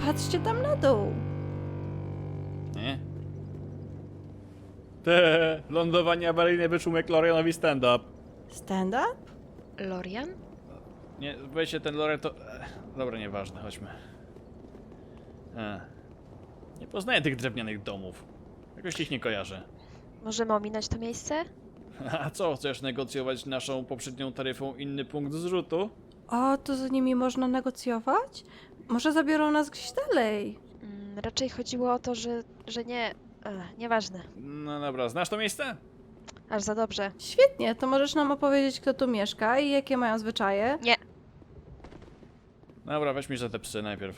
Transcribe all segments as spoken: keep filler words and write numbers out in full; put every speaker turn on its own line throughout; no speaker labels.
Patrzcie tam na dół.
Nie? Te lądowanie awaryjne wyczuł Lorianowi stand-up.
Stand-up?
Lorian?
Nie, weźcie ten Lorian to... Ech, dobra, nieważne, chodźmy. E. Nie poznaję tych drewnianych domów. Jakoś ich nie kojarzę.
Możemy ominąć to miejsce?
A co, chcesz negocjować naszą poprzednią taryfą inny punkt zrzutu?
O, to z nimi można negocjować? Może zabiorą nas gdzieś dalej?
Mm, raczej chodziło o to, że, że nie... Ech, nieważne.
No dobra, znasz to miejsce?
Aż za dobrze.
Świetnie, to możesz nam opowiedzieć, kto tu mieszka i jakie mają zwyczaje?
Nie.
Dobra, weź mi za te psy najpierw.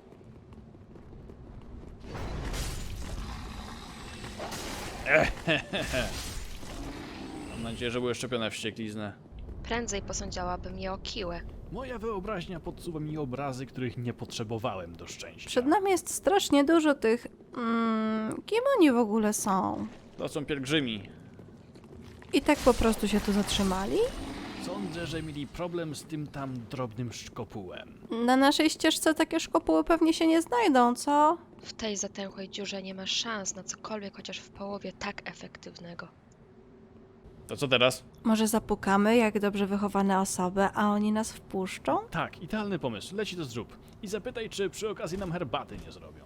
Ehehehe. Mam nadzieję, że były szczepione w wściekliznę.
Prędzej posądziałabym je o kiłę.
Moja wyobraźnia podsuwa mi obrazy, których nie potrzebowałem do szczęścia.
Przed nami jest strasznie dużo tych... Mm, kim oni w ogóle są?
To są pielgrzymi.
I tak po prostu się tu zatrzymali?
Sądzę, że mieli problem z tym tam drobnym szkopułem.
Na naszej ścieżce takie szkopuły pewnie się nie znajdą, co?
W tej zatęchłej dziurze nie ma szans na cokolwiek chociaż w połowie tak efektywnego.
To co teraz?
Może zapukamy jak dobrze wychowane osoby, a oni nas wpuszczą?
Tak, idealny pomysł. Leci to zrób. I zapytaj, czy przy okazji nam herbaty nie zrobią.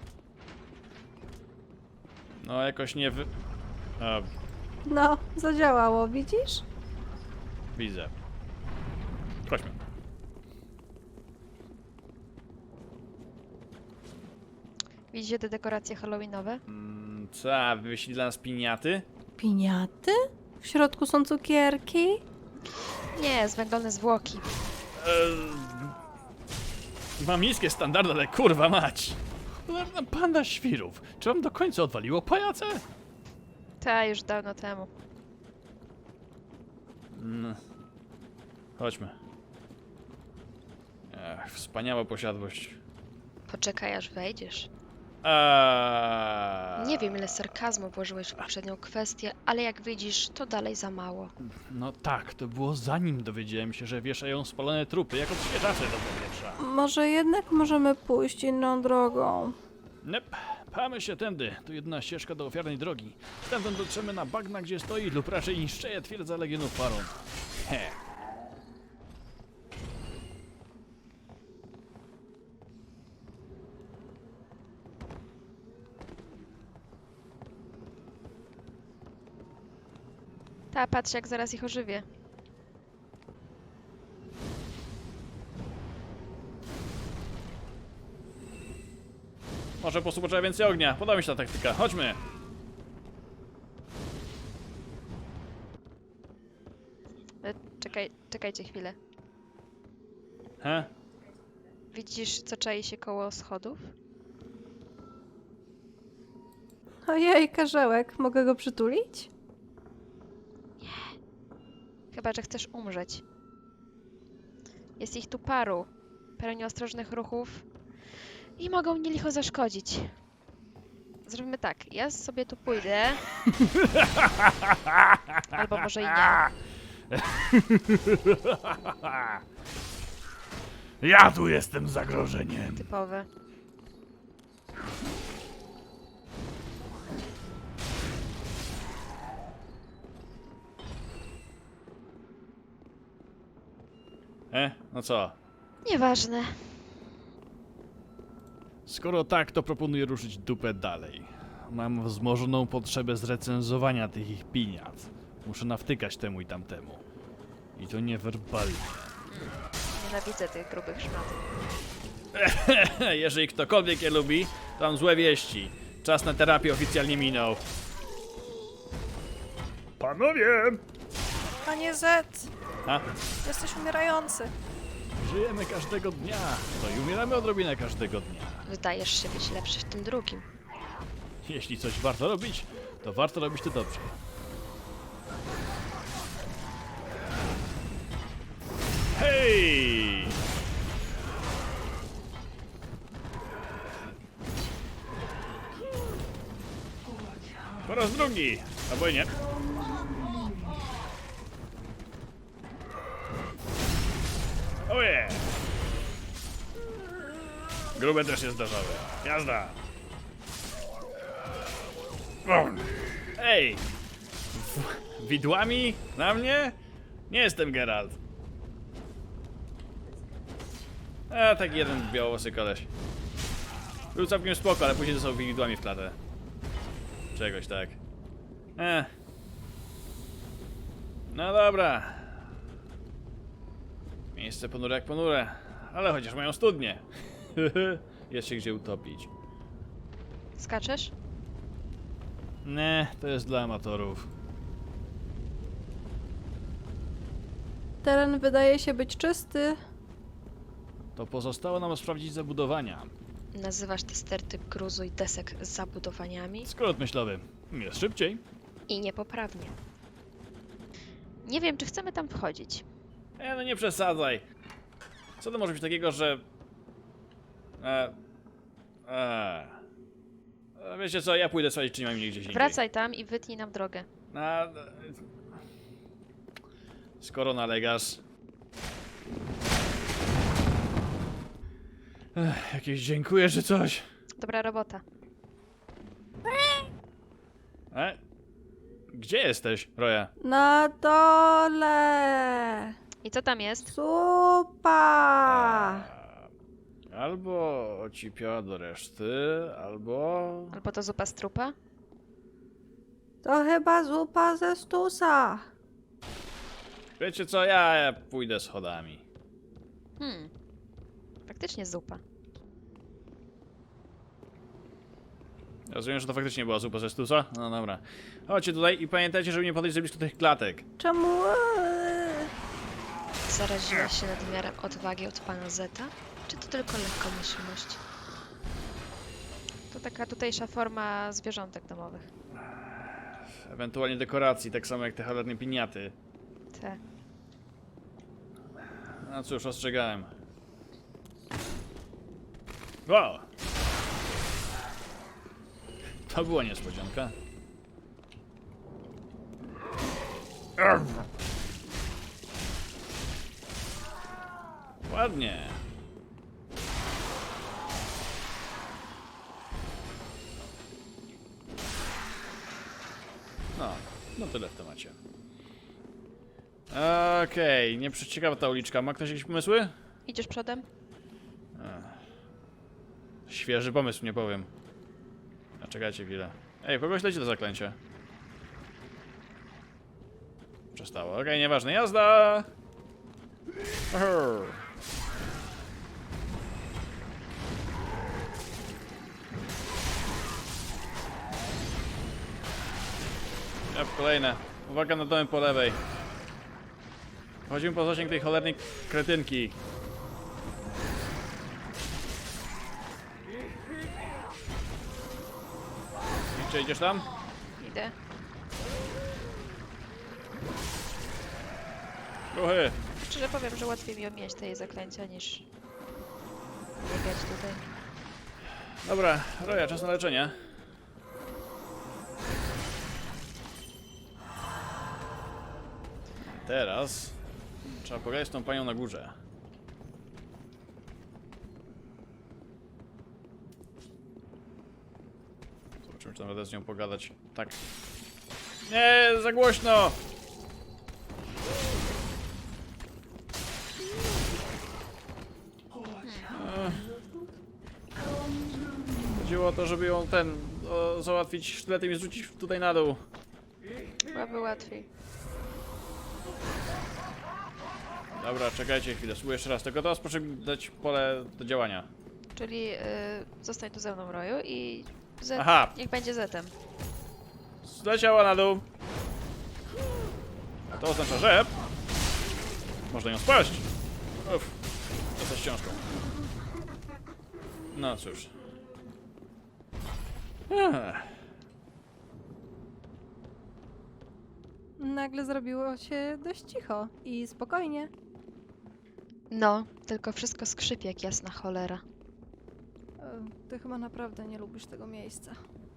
No, jakoś nie wy... A,
No, zadziałało, widzisz?
widzę. Chodźmy.
Widzicie te dekoracje halloweenowe?
Mm, co, a wyślij dla nas piniaty?
Piniaty? W środku są cukierki?
Nie, zwęglone zwłoki.
Eee, mam niskie standardy, ale kurwa mać! Cholerna panda świrów! Czy wam do końca odwaliło pajace?
Ta, już dawno temu.
Mm. Chodźmy. Ech, wspaniała posiadłość.
Poczekaj, aż wejdziesz.
Eee...
Nie wiem, ile sarkazmu włożyłeś w poprzednią kwestię, ale jak widzisz, to dalej za mało.
No tak, to było zanim dowiedziałem się, że wieszają spalone trupy jako odświeżacze do powietrza.
Może jednak możemy pójść inną drogą.
Nep, pchamy się tędy. To jedyna ścieżka do ofiarnej drogi. Stamtąd dotrzemy na bagna, gdzie stoi lub raczej niszczeje twierdza Legionów Faron. He.
Ta, patrz jak zaraz ich ożywię.
Może po prostu potrzeba więcej ognia. Podoba mi się ta taktyka. Chodźmy.
E, czekaj, czekajcie chwilę.
He?
Widzisz, co czai się koło schodów?
Ojej, karzełek, mogę go przytulić?
Chyba, że chcesz umrzeć. Jest ich tu paru. Parę nieostrożnych ruchów. I mogą mnie licho zaszkodzić. Zrobimy tak. Ja sobie tu pójdę. Albo może i nie.
Ja tu jestem zagrożeniem.
Typowe.
E? No co?
Nieważne.
Skoro tak, to proponuję ruszyć dupę dalej. Mam wzmożoną potrzebę zrecenzowania tych ich piniat. Muszę nawtykać temu i tamtemu. I to niewerbalnie.
Nienawidzę tych grubych szmatów.
Jeżeli ktokolwiek je lubi, to mam złe wieści. Czas na terapię oficjalnie minął. Panowie!
Panie Z,
A?
jesteś umierający.
Żyjemy każdego dnia. No i umieramy odrobinę każdego dnia.
Wydajesz się być lepszy w tym drugim.
Jeśli coś warto robić, to warto robić to dobrze. Hej! Po raz drugi, albo i nie. Oje! Grube też jest zdarzały. Jazda! O. Ej! W- Widłami? Na mnie? Nie jestem Geralt. A, taki jeden białowłosy koleś. Był całkiem spoko, ale później dostał widłami w klatę. Czegoś tak. Eh. No dobra. Miejsce ponure jak ponure. Ale chociaż mają studnie. Jest się gdzie utopić.
Skaczesz?
Nie, to jest dla amatorów.
Teren wydaje się być czysty.
To pozostało nam sprawdzić zabudowania.
Nazywasz te sterty gruzu i desek zabudowaniami?
Skrót myślowy. Jest szybciej.
I niepoprawnie. Nie wiem, czy chcemy tam wchodzić.
E, no nie przesadzaj. Co to może być takiego, że... E... E... e wiecie co, ja pójdę sprawdzić, czy nie mam mnie gdzieś indziej.
Wracaj tam i wytnij nam drogę.
A, e, skoro nalegasz... Ech, jakieś dziękuję, czy coś.
Dobra robota.
E? Gdzie jesteś, Roja?
Na dole.
I co tam jest?
Zupa.
E, Albo ocipiała do reszty, albo...
Albo to zupa z trupa?
To chyba zupa ze stusa.
Wiecie co, ja, ja pójdę schodami.
Hmm. Faktycznie zupa.
Rozumiem, że to faktycznie była zupa ze stusa? No dobra. Chodźcie tutaj i pamiętajcie, żeby nie podejść za blisko tych klatek.
Czemu? Eee.
Zaraziłaś się nadmiarem odwagi od pana Zeta? Czy to tylko lekkomyślność? To taka tutejsza forma zwierzątek domowych.
Ewentualnie dekoracji, tak samo jak te cholerne piniaty.
Te.
No cóż, ostrzegałem. Wow! To była niespodzianka. Ładnie. No, no tyle w temacie. Okej, okay, nie przeciekawa ta uliczka. Ma ktoś jakieś pomysły?
Idziesz przodem?
Świeży pomysł, nie powiem. A czekajcie chwilę. Ej, kogoś leci to zaklęcie. Przestało. Okej, okay, nieważne. Jazda! Oho. Jep, kolejne. Uwaga na domy po lewej. Chodzimy po zasięg tej cholernej kretynki. Czy idziesz tam?
Idę.
Ruchy!
Szczerze powiem, że łatwiej mi omijać te jej zaklęcia niż biegać tutaj.
Dobra, Roja, czas na leczenie. Teraz trzeba pogadać z tą panią na górze. Zobaczymy, czy nawet z nią pogadać. Tak. Nie, za głośno! Ech. Chodziło o to, żeby ją ten o, załatwić sztyletem i zrzucić tutaj na dół.
Byłaby łatwiej.
Dobra, czekajcie chwilę, spróbuję jeszcze raz. Tylko teraz proszę mi dać pole do działania.
Czyli yy, zostań tu ze mną, Roju, i Z
Aha.
niech będzie Zetem.
Zleciała na dół. A to oznacza, że można ją spaść. Uff, to z książką. No cóż. Ech.
Nagle zrobiło się dość cicho i spokojnie.
No, tylko wszystko skrzypi jak jasna cholera.
E, Ty chyba naprawdę nie lubisz tego miejsca.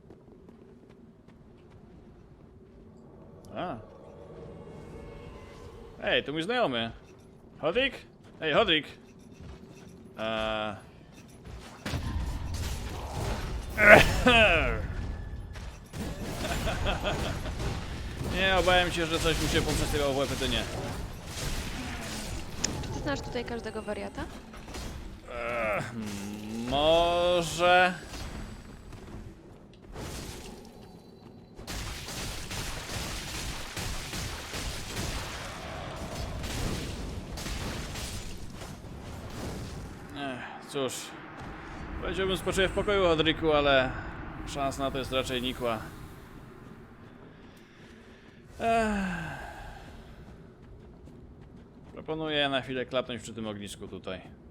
A. Ej, to mój znajomy. Hodrik? Ej, Hodrik! Eee... Nie, obawiam się, że coś mu się poprzesyłało w łeb, to nie.
Czy ty znasz tutaj każdego wariata?
Ech, może... Ech, cóż... Powiedziałbym spoczyję w pokoju, Hodriku, ale... szans na to jest raczej nikła. Ech. Proponuję na chwilę klapnąć przy tym ognisku tutaj.